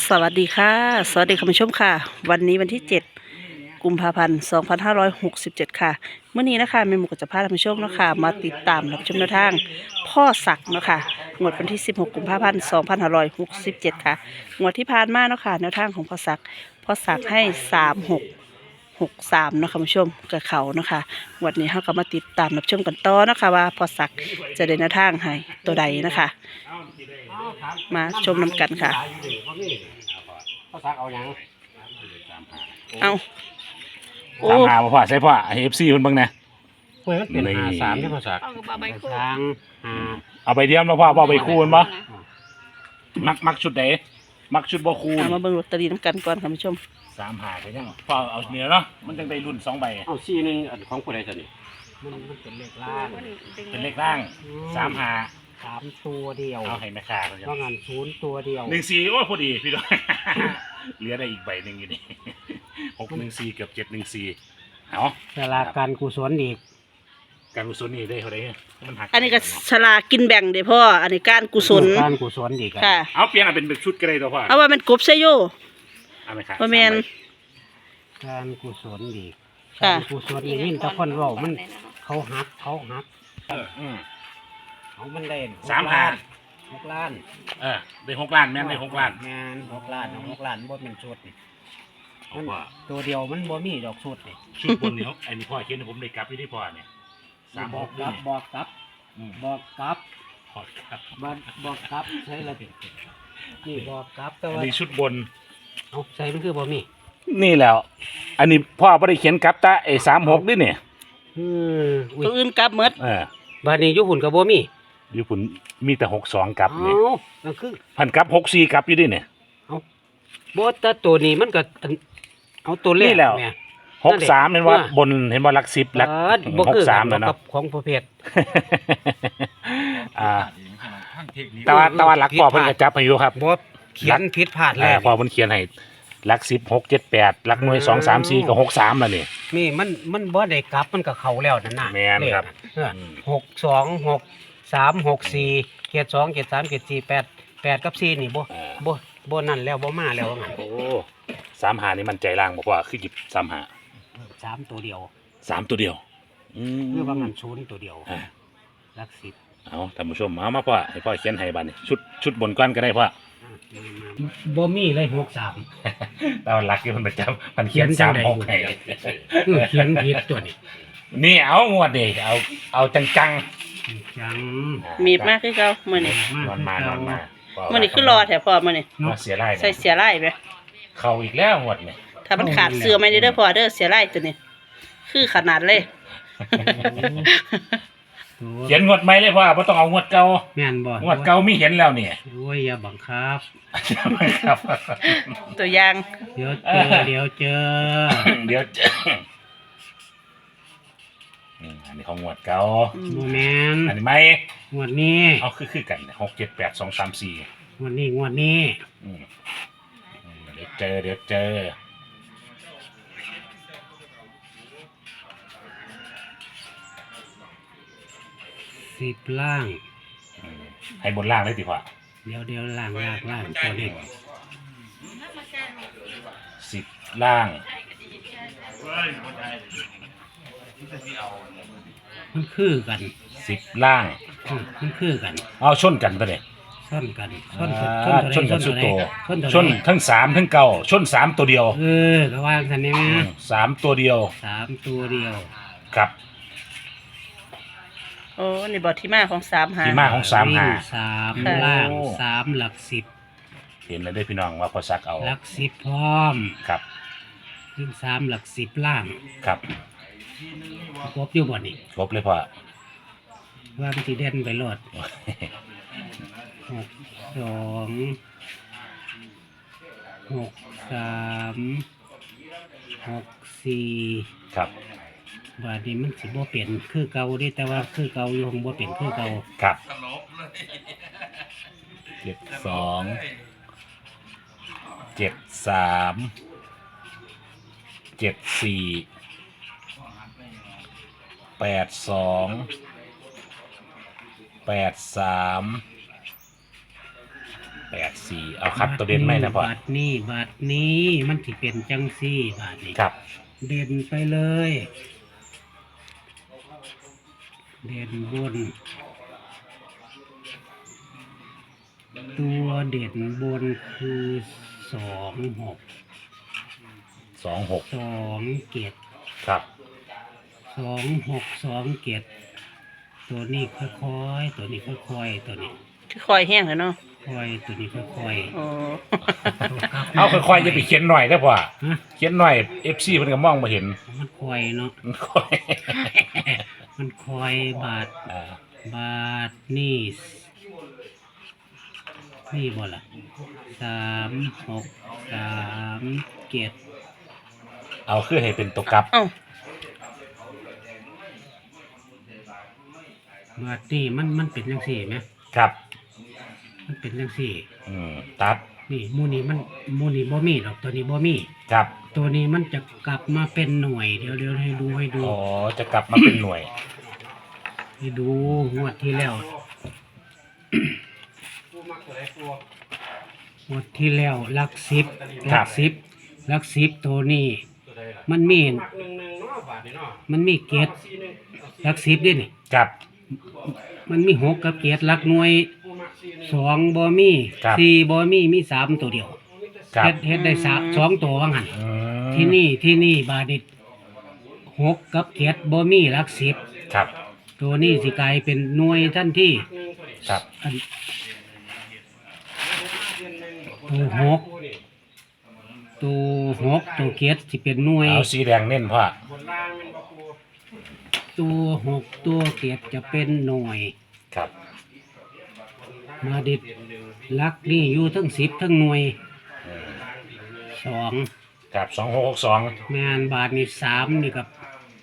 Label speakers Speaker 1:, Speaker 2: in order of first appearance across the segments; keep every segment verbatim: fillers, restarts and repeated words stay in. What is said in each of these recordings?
Speaker 1: สวัสดีค่ะสวัสดีคุณผู้ชมค่ะวันนี้วันที่เจ็ดกุมภาพันธ์สองพันห้าร้อยหกสิบเจ็ดค่ะเมื่อนี้นะคะแม่หมูก็จะพาท่านผู้ชมนะคะมาติดตามรับชมแนวทางพ่อศักดิ์เนาะค่ะงวดวันที่สิบหกกุมภาพันธ์สองพันห้าร้อยหกสิบเจ็ดค่ะงวดที่ผ่านมาเนาะค่ะแนวทางของพ่อศักดิ์พ่อศักดิ์ให้สามหกหกสามเนาะค่ะคุณผู้ชมกับเขาเนาะค่ะงวันนี้เราก็มาติดตามรับชมกันต่อเนาะค่ะว่าพ่อศักดิ์จะได้แนวทางให้ตัวใดนะคะมาชมนำกันค่ะ
Speaker 2: พ่อซักเอาอย่าง
Speaker 1: เอาโอ้
Speaker 3: สามหาพ่อใช่พ่อเอฟซีคนบ้างนะ
Speaker 2: เฮ้ยมันเป็น
Speaker 3: นี่
Speaker 2: หาสามที่พ่อซัก
Speaker 4: เอากระเป๋าใบคู่
Speaker 2: ช้างหา
Speaker 3: เอาไปเดียมแล้วพ่อพ่อไปคูณบ่มักมักชุดไหนมักชุดบ่คูณ
Speaker 1: เอามาเบิ่งลอตเตอรี่น้ำกันก่อนค่ะคุณผู้ชม
Speaker 3: สามหาไปยังพ่อเอาเหนือเนาะมันจังได้รุ่นสองใบ
Speaker 2: เอาซี่หนึงอันของผู้ใดสินี่มันมันเป็นเลขล่าง
Speaker 3: เป็นเลขล่างสามหา
Speaker 2: สามตัวเดียว
Speaker 3: เอาให้แม่ค้าเขา
Speaker 2: ว่างานศูนย์ตัวเดียว
Speaker 3: หนึ่งสี่โอ้พอดีพี่น้อง เหลือได้อีกใบหนึ่งอยู่นี่ หกหนึ่งสี่เกือบเจ็ดหนึ่งสี่เอา
Speaker 2: เวลาการกุศลอีก
Speaker 3: การกุศลนี่ได้เท่าไหร่มันหัก
Speaker 1: อันนี้ก็ฉลากกินแบ่งเด้อพ่ออันนี้การกุศล
Speaker 2: การกุศลอีก
Speaker 1: ค่ะ
Speaker 3: เอาเปลี่ยนเอาเป็นแบบชุดก็ได้ตัวพ่อ
Speaker 1: เอาว่ามันกบใช่โย
Speaker 3: เอาไหมครับ
Speaker 1: บ่แม่น
Speaker 2: การกุศลอีก
Speaker 1: ค่ะ
Speaker 2: การกุศลอีกนี่ตะคนเว่ามันเขาหักเขาหัก
Speaker 3: เอออืม
Speaker 2: เขามันได้
Speaker 3: สามหา
Speaker 2: หกล้าน
Speaker 3: เออได้หกล้านแม่นได้หกล้าน
Speaker 2: แม่นหกล้านเอาหกล้านบ่เป็นชุดนี่
Speaker 3: เอาพ่อ
Speaker 2: ตัวเดียวมันบ่มีดอกชุดนี่
Speaker 3: ชุดบนนี้เขาไอ้นี่พ่อเขียนให้ผมได้กลับอยู่ที่พ่อเนี่ยสาม
Speaker 2: บ
Speaker 3: ห
Speaker 2: อก
Speaker 3: ก
Speaker 2: กลับบอกกลับ
Speaker 3: อืม
Speaker 2: บอกกลับ
Speaker 3: พอครับ
Speaker 2: บอกบอกกลับใช่ละนี่บอกกลับแต่
Speaker 3: อัน
Speaker 2: ว่า
Speaker 3: นี้ชุดบน
Speaker 2: เอาใส่มันคือบ่มี
Speaker 3: นี่แล้ว อันนี้พ่อไม่ได้เขียนกลับตาไอ้สามหกด้วยเนี่ย
Speaker 2: อืมอุ้ย
Speaker 1: ตัวอื่นกลับหมด
Speaker 3: เออ
Speaker 2: บ้านนี้อยู่หุ่นก็บ่มี
Speaker 3: อยู่ผุนมีแต่หกสองกลับ
Speaker 2: เอ้า
Speaker 3: เนี่ย
Speaker 2: นั่นคือ
Speaker 3: พันกลับหกสี่กลับอยู่ด้วยเนี่ย
Speaker 2: บ่แต่ตัวนี้มันก็อันเอาตัวเลข
Speaker 3: นี่แล้ว
Speaker 2: ม่
Speaker 3: หกสามเห็นว่า
Speaker 2: ว่า
Speaker 3: บนเห็นว่าลักสิบลัก
Speaker 2: เออบ่
Speaker 3: หก
Speaker 2: คือ
Speaker 3: สาม
Speaker 2: กั
Speaker 3: แล้ว
Speaker 2: น
Speaker 3: เนาะ
Speaker 2: กับของประเภท
Speaker 3: อ่าแต่ว่าแต่ว่าหลักพ่อเพิ่นกระจับให้อยู่ครับ
Speaker 2: บ่เขียนผิดพลาด
Speaker 3: เอ
Speaker 2: แล้
Speaker 3: อ
Speaker 2: ว
Speaker 3: พ่อเพิ่นเขียนให้หลักสิบหกเจ็ดแปดหลักหน่วยสองสามสี่กับหกสามแล้วนี่
Speaker 2: นี่มันมันบ่ได้กลับมันก็เข้าแล้วนั่นน่ะ
Speaker 3: แม่นครับ
Speaker 2: เลขน่ะเออหกสองหกสามหกสี่เจ็ดสองเจ็ดสามเจ็ดสี่แปดแปดกับสี่นี่บ่
Speaker 3: เออ
Speaker 2: บ่บ่นั่นแล้วบ่มาแล้วว่างั้น
Speaker 3: โอ้สามหานี่มันใจล่างบอกว่าคือหยิบสามหา
Speaker 2: สามตัวเดียว
Speaker 3: สามตัวเดียวอืม
Speaker 2: คือว่างั้นศูนย์ตัวเดียว
Speaker 3: อ่า
Speaker 2: หลักสิบ
Speaker 3: เอาท่านผู้ชมเอามาพ่อให้พ่อเขียนให้บัดนี้ชุดชุดบนก้อนก็ได้พ่อ
Speaker 2: อ่ะนี่มาบ่มีเลยหกสาม
Speaker 3: ตอนรักที่มันประจำมันเขียนสามหกให้
Speaker 2: เออเขียนผิดตัวนี้
Speaker 3: นี่เอางวดดิเอาเอาจังจัง
Speaker 2: จัง
Speaker 3: ๆ
Speaker 1: มีบมากคือเก่ามื้อนี้
Speaker 3: นอนมานอนมา
Speaker 1: มื้อนี้คือรอแถวพ่อมื้อนี้
Speaker 3: มาเสียไล่
Speaker 1: ใส่เสียไล่ไหม
Speaker 3: เข้าอีกแล้วงวดเนี่ย
Speaker 1: ถ้ามันขาดเสื้อไม่ได้เด้อพ่อเด้อเสียไล่ตัวนี้ คือขนาดเลย
Speaker 3: เขียนงวดใหม่เลยพ่อบ่ต้องเอางวดเก่า
Speaker 2: แม่นบ่
Speaker 3: งวดเก่ามีเห็นแล้วเนี่ย
Speaker 2: โอ้ยอย่าบังคับ
Speaker 3: ครับ
Speaker 1: ตัวอย่าง
Speaker 2: เดี๋ยวเจอเดี๋ยวเจอ
Speaker 3: เดี๋ยวอืมอันนี้ของงวดเก่า
Speaker 1: อืม
Speaker 2: บ่แม่น
Speaker 3: อันนี้ไหม
Speaker 2: งวดนี้
Speaker 3: เอาคือคือกันหกเจ็ดแปดสองสามสี่
Speaker 2: งวดนี้งวดนี้
Speaker 3: อืมอืมเดี๋ยวเจอเดี๋ยวเจอ
Speaker 2: สิบล่าง
Speaker 3: อืมให้บนล่างได้ดีกว่า
Speaker 2: เดี๋ยวเดี๋ยวล่างล่างล่างตัวนี้
Speaker 3: สิบล่าง
Speaker 2: มันคือกัน
Speaker 3: สิบล่าง
Speaker 2: อืมมันคือกัน
Speaker 3: เอาชนกันตัวเนี่ย
Speaker 2: ชนกันชน
Speaker 3: อ่าชนกันสุดโต
Speaker 2: ชนตัว
Speaker 3: ชน
Speaker 2: ใด
Speaker 3: ทั้งสามทั้งเก่าชนสามตัวเดียว
Speaker 2: เออก็ว่ากันนี่แม่
Speaker 3: อืมสามตัวเดียว
Speaker 2: สามตัวเดียว
Speaker 3: ครับ
Speaker 1: โอ้นี่บอกที่มาของสามหา
Speaker 3: ที่มาของสามหา
Speaker 2: วิ่งสาม
Speaker 1: ค่ะ
Speaker 2: ล่าง
Speaker 3: โอ้
Speaker 2: สามหลักสิบ
Speaker 3: เห็นแล้วได้อพี่น้องว่าพอซักเอา
Speaker 2: หลักสิบพร้อม
Speaker 3: ครับ
Speaker 2: วิ่งสามหลักสิบล่าง
Speaker 3: ครับ
Speaker 2: ครบอยู่บ่นี่
Speaker 3: ครบเลยพอ
Speaker 2: ว่ามันสิเด่นไปโลดหกสองหกสามหกสี่
Speaker 3: ครับ
Speaker 2: บาดนี้มันสิบ่เปลี่ยนคือเก่าเด้แต่ว่าคือเก่าอยู่คงบ่เปลี่ยนคือเก่า
Speaker 3: ครับเจ็ดสองเจ็ดสามเจ็ดสี่แปดสองแปดสามแปดสี่เอาคัดตัวเด่นไหมนะพ่อบ
Speaker 2: าทนี้บาทนี้มันสิเป็นจังซี่บาทนี้
Speaker 3: ครับ
Speaker 2: เด่นไปเลย เด่นบน ตัวเด่นบนคือสองหก
Speaker 3: สองหก
Speaker 2: สองเจ็ด
Speaker 3: ครับ
Speaker 2: สองหกสองเจ็ดตัวนี้ค่อยๆตัวนี้ค่อยๆตัวนี้
Speaker 1: คือคอยแห้งเลยเนาะ
Speaker 2: ค่อยตัวนี้ค่อย
Speaker 1: อ๋อ
Speaker 2: ๆ
Speaker 3: เอาค่อยๆจะไปเขียนหน่อยได้ป่ะ
Speaker 2: ฮะ
Speaker 3: เขียนหน่อยเอฟซีเพิ่นก็มองมาเห็น
Speaker 2: มันค่อยเนาะ
Speaker 3: มันค่อย
Speaker 2: มันค่อยบาท
Speaker 3: อ่า
Speaker 2: บาทนี่นี่บ่ล่ะสามหกสามเจ็ด
Speaker 3: เอาคือให้เป็นตัวกลับ
Speaker 1: เอ้า
Speaker 2: บาทนี่มันมันเป็นจังสี่ไหม
Speaker 3: ครับ
Speaker 2: มันเป็นจังสี่
Speaker 3: อืมตัด
Speaker 2: นี่หมูนี่มันหมูนี่บ่มีดอกตัวนี้บ่มี
Speaker 3: ครับ
Speaker 2: ตัวนี้มันจะกลับมาเป็นหน่วยเดี๋ยวเดี๋ยวให้ดูให้ดู
Speaker 3: อ๋อจะกลับมาเป็นหน่วย
Speaker 2: ให้ดูงวดที่แล้ว งวดที่แล้วหลักสิบหลักสิบหลักสิบตัวนี้ มันมี มันมีเกตหลักสิบด้วยนี่
Speaker 3: ครับ
Speaker 2: มันมีหกกับเกตหลักหน่วยสองบ่มี
Speaker 3: ครับ
Speaker 2: สี่บ่มีมีสามตัวเดียว
Speaker 3: ครับ
Speaker 2: เฮ็ดเฮ็ดได้สามสองตัวว่างั้น
Speaker 3: อืม
Speaker 2: ที่นี่ที่นี่บาดิตหกกับเกตบ่มีหลักสิบ
Speaker 3: ครับ
Speaker 2: ตัวนี้สิกลายเป็นหน่วยทันที
Speaker 3: ครับ
Speaker 2: อันตัวหกตัวหกตัวเกตสิเป็นหน่วย
Speaker 3: เอาสีแดงเน้นพ่อ
Speaker 2: ตัวหกตัวเกตจะเป็นหน่วย
Speaker 3: ครับ
Speaker 2: มาดิดลักนี่อยู่ทั้งสิบทั้งหน่วย
Speaker 3: อืม
Speaker 2: สอง
Speaker 3: ครับสองหกหกสอง
Speaker 2: แมนบาทนี่สามนี่กับ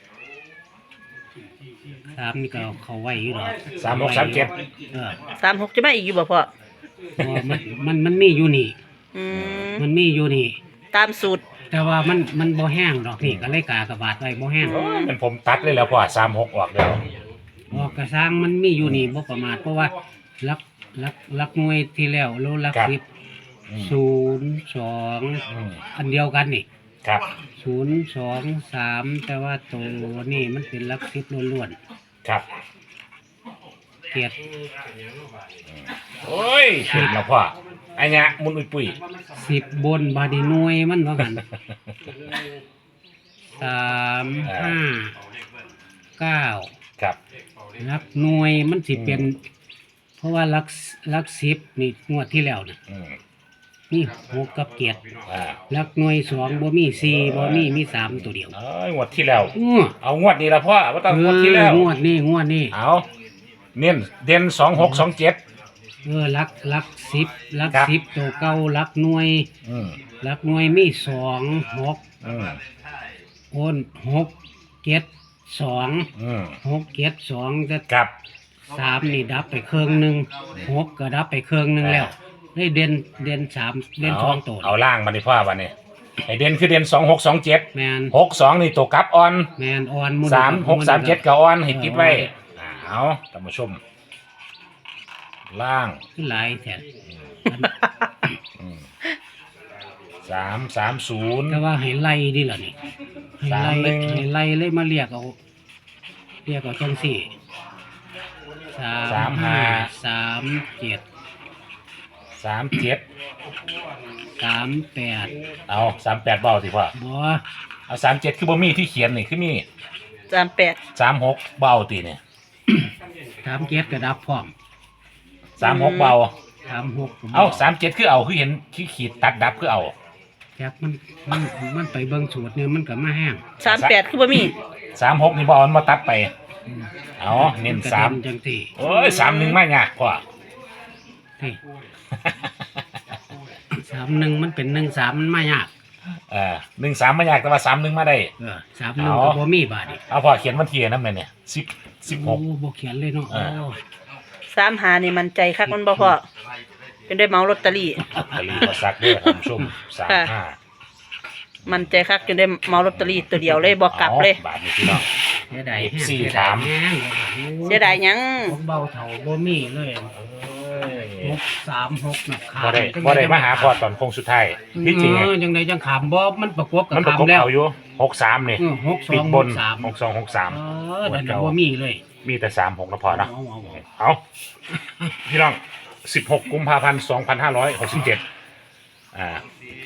Speaker 2: สามนี่ก็เขาไว้อยู่หรอก
Speaker 3: สามหกสามเจ็ด
Speaker 2: เออ
Speaker 1: สามหกจะมาอีกอยู่บ่พ่อ
Speaker 2: เพราะว่ามันมันมันมีอยู่นี่
Speaker 1: อืม
Speaker 2: มันมีอยู่นี่
Speaker 1: ตามสูตร
Speaker 2: แต่ว่ามันมันบ่แห้งดอกนี่ก็เลยกากระบาดไว้บ่แห้ง
Speaker 3: โอ้ยเป็นผมตัดเลยแล้วพ่อสามหกออกแล้ว
Speaker 2: ออกกระซังมันมีอยู่นี่บ่ประมาทเพราะว่าลักลักลักหน่วยที่แล้วโลลัก
Speaker 3: ครับ
Speaker 2: สิบ
Speaker 3: อืม
Speaker 2: ศูนย์สอง
Speaker 3: อืม
Speaker 2: อันเดียวกันนี่
Speaker 3: ครับ
Speaker 2: ศูนย์สองสามแต่ว่าตัวนี่มันเป็นลักสิบล้วน
Speaker 3: ครับ
Speaker 2: ๆเกียรติ
Speaker 3: โอ้ยเห็นแล้วพ่อไอ้เนี้ยมุนอุ้ยปุ้ย
Speaker 2: สิบบนบาดีหน่วยมันว่ากันสามห้าเก้า
Speaker 3: ครับ
Speaker 2: ลักหน่วยมันสิเป็น เพราะว่าลักลักสิบนี่งวดที่แล้วนะ
Speaker 3: อืม
Speaker 2: มีหกกับเกียรติ
Speaker 3: อ่า
Speaker 2: ลักหน่วยสองบ่มีสี่บ่มีมีสามตัวเดียว
Speaker 3: เอ้ยงวดที่แล้ว
Speaker 2: อ้อ
Speaker 3: เอางวดนี้ละพ่อว่าต้อง
Speaker 2: เอง
Speaker 3: วดที่แล้ว
Speaker 2: องวดนี้งวดนี้
Speaker 3: เอาเน้นเด่นสองหกสองเจ็ด
Speaker 2: เออลักลักสิบลัก
Speaker 3: ครับ
Speaker 2: สิบตัวเก่าลักหน่วย
Speaker 3: อืม
Speaker 2: ลักหน่วยมีสองหก
Speaker 3: อืม
Speaker 2: โอนหกเจ็ดสอง
Speaker 3: อืม
Speaker 2: หกเจ็ดสองแต่
Speaker 3: ครับ
Speaker 2: สามนี่ดับไปเครื่องหนึ่งหกก็ดับไปเครื่องหนึ่งแล้วได้เด่นเด่นสามเด่นสองตัว
Speaker 3: เอาล่างมาดิพ่อวันนี้ไอเด่นคือเด่นสองหกสองเจ็ด
Speaker 2: แมน
Speaker 3: หกสองนี่ตัวกลับออน
Speaker 2: แมนออนมุน
Speaker 3: สามหกสามเจ็ดกับออนให้ติดไว้เอาท่านผู้ชม ล่าง
Speaker 2: ขึ้นหลายแถ
Speaker 3: อืมสามสามศูนย์
Speaker 2: แต่ว่าให้ไล่ดิล่ะนี่ให้
Speaker 3: สาม
Speaker 2: ไล่
Speaker 3: หนึ่ง
Speaker 2: ให้ไล่เลยมาเรียกเอาเรียกเอาจังสี่สา
Speaker 3: สาม
Speaker 2: ม
Speaker 3: ห้า
Speaker 2: ห้าสามเจ็ด
Speaker 3: สามเจ็ด
Speaker 2: สามแปด
Speaker 3: เอาสามแปดเบาสิพ่อ
Speaker 2: บัว
Speaker 3: เอาสามเจ็ดคือบ่มีที่เขียนนี่คือมี
Speaker 1: สามแปด
Speaker 3: สามหกเบาตีเนี่ย
Speaker 2: สามเจ็ดก็ดับพร้อม
Speaker 3: สามหกเบา
Speaker 2: สามหกก็บ่
Speaker 3: เอาสามเจ็ดคือเอาคือเห็นที่ขีดตัดดับคือเอา
Speaker 2: แจ็คมันมันมันไปเบิ่งสูตรเนี่ยมันก็มาแห้ง
Speaker 1: สามแปดคือบ่มี
Speaker 3: สามหกนี่บเอกมาตัดไป
Speaker 2: อืม
Speaker 3: เอาเน้น
Speaker 2: ก็
Speaker 3: สาม
Speaker 2: ด่จังสี่
Speaker 3: โอ้ยสามหนึ่งไม่ยากพ่อ
Speaker 2: นี่สามหนึ่งมันเป็นหนึ่งสามมันมายาก
Speaker 3: เออหนึ่งสามไม่ยากแต่ว่าสามหนึ่งมาได้
Speaker 2: เออสามหนึ่ง
Speaker 3: เอา
Speaker 2: ก็บ่มีบาทอีก
Speaker 3: เอาพ่อเขียนวันที่นั่นเลยเนี่ยสิบสิบห
Speaker 2: โอ้
Speaker 3: ก
Speaker 2: บ่เขียนเลยเนาะ
Speaker 3: เออ
Speaker 2: โอ้
Speaker 1: สามหานี่มันใจคักมันบ่พ่อเป็นได้เหมาลอตเตอรี่
Speaker 3: ไปรีพอซักด้วยท่านผู้ชมสามห้า
Speaker 1: มันใจคักจนได้เหมาลอตเตอรี่ตัวเดียวเลยบ่กลับเลย
Speaker 3: บาทนี่พี่น้อง
Speaker 2: เสียดายแห้ง
Speaker 3: สี่
Speaker 2: เสีย
Speaker 3: สา
Speaker 2: ดาย
Speaker 3: ม
Speaker 2: แห้ง
Speaker 1: เสียดายหยัง
Speaker 2: ของเบาเท่าบ่มีเลย
Speaker 3: เอ้ย
Speaker 2: หกสามหกนะขา
Speaker 3: บ่ได้บ่ได้มาหาพ่อตอนโค้งสุดท้ายที่จริง
Speaker 2: เอ
Speaker 3: อะ
Speaker 2: อยังไงยังขามบ่มันประกบกับ
Speaker 3: มันประ
Speaker 2: ขาม
Speaker 3: กบ
Speaker 2: แล้ว
Speaker 3: เอาอยู่หกสามนี่
Speaker 2: เออหกสอ
Speaker 3: ปี
Speaker 2: ง
Speaker 3: ก
Speaker 2: ห
Speaker 3: บ
Speaker 2: ก
Speaker 3: น
Speaker 2: สาม
Speaker 3: หกสองหกสาม
Speaker 2: เออเดี๋ยวเดี๋ยวบ่มีเลย
Speaker 3: มีแต่สามหกนะพอนะ
Speaker 2: เอาเอาเอา
Speaker 3: เอาพี่น้องสิบหกกุมภาพันธ์สองพันห้าร้อยหกสิบเจ็ดอ่า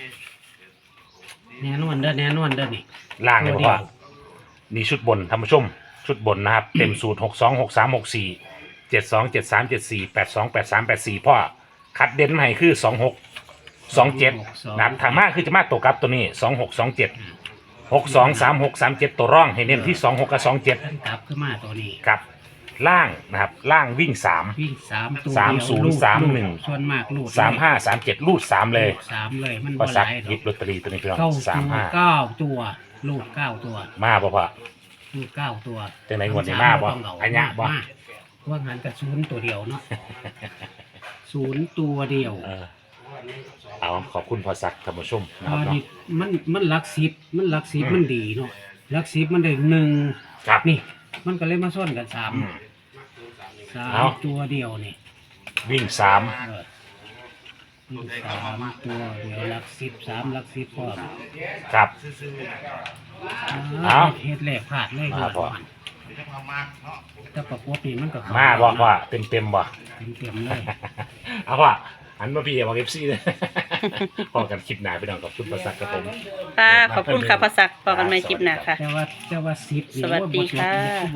Speaker 2: แน่นอนเด้อแน่นอนเด้อนี่
Speaker 3: ล่างเลย
Speaker 2: ตัว
Speaker 3: พ่
Speaker 2: เดี
Speaker 3: อ
Speaker 2: ยว
Speaker 3: นี่ชุดบนท่านผู้ชมชุดบนนะครับ เต็มสูตรหกสองหกสามหกสี่เจ็ดสองเจ็ดสามเจ็ดสี่แปดสองแปดสามแปดสี่พ่อคัดเด่นมาให้คือสองหกสองเจ็ดนะครับทางมากคือจะมาตัวกลับตัวนี้สองหกสองเจ็ดหกสองสามหกสามเจ็ดตัวร่องให้เน้นที่สองหกกับสองเจ็ด
Speaker 2: ท่านกลับขึ้นมาตัวนี้
Speaker 3: กับล่างนะครับล่างวิ่งสาม
Speaker 2: วิ่งสามตัว
Speaker 3: สาม
Speaker 2: เดียว
Speaker 3: ศูนย์
Speaker 2: ลูด
Speaker 3: สาม
Speaker 2: ลูด
Speaker 3: หนึ่ง
Speaker 2: ส่วนมากลูด
Speaker 3: สามห้าสามเจ็ดรูดสามเลย
Speaker 2: สามเลยมัน
Speaker 3: ก็
Speaker 2: บ่ห
Speaker 3: ซัก
Speaker 2: ลายด
Speaker 3: หยิ
Speaker 2: อบ ก
Speaker 3: ลอตเตอรี่ตัวนี้พี่น้อง
Speaker 2: เก้า
Speaker 3: สาม
Speaker 2: ตัว
Speaker 3: ห้า
Speaker 2: เก้าตัวลูดเก้าตัว
Speaker 3: มาบ่พ่อ
Speaker 2: ลูดเก้าตัว
Speaker 3: จังไหนงวดนี้มาบ่
Speaker 2: ต้องเา
Speaker 3: อันยะบ่
Speaker 2: มาว่างันกับศูนย์ตัวเดียวเนาะศูนย์ตัวเดียว
Speaker 3: เออเอาขอบคุณพอสักท่านผู้ชมนะค
Speaker 2: อ่า
Speaker 3: รับเนาะ
Speaker 2: นี่มันมันหลักสิบมันหลักสิบ
Speaker 3: อืม
Speaker 2: มันดีเนาะหลักสิบมันได้หนึ่ง
Speaker 3: ครับ
Speaker 2: นี่ มันก็เลยมาซ่อนกันสาม
Speaker 3: อืม
Speaker 2: สาม
Speaker 3: เอา
Speaker 2: ตัวเดียวนี่
Speaker 3: วิ่งสาม
Speaker 2: เออมีสามตัวเดียวหลักสิบสามหลักสิบพร้อม
Speaker 3: ครับ เอา
Speaker 2: เฮ็ดแหลกผาดเลย
Speaker 3: มาพอ
Speaker 2: แต่ประกบนี่มันก็เข้
Speaker 3: มาบ่พ่อเต็มเต็มๆบ่
Speaker 2: เต็มๆเลย
Speaker 3: เอาพ่อหันมาพี่บอกเอฟซีเลย พอกันคลิปหน้าไปน้องขอบคุณพอสักครับผม
Speaker 1: ค่ะขอบคุณค่ะพอสักพอกันใหม่คลิปหน้าค่ะ
Speaker 2: แต่ว่าแต่ว่าสิบนี่
Speaker 1: สวัสดี
Speaker 2: โอ้ยบ่จบ
Speaker 1: ค่ะ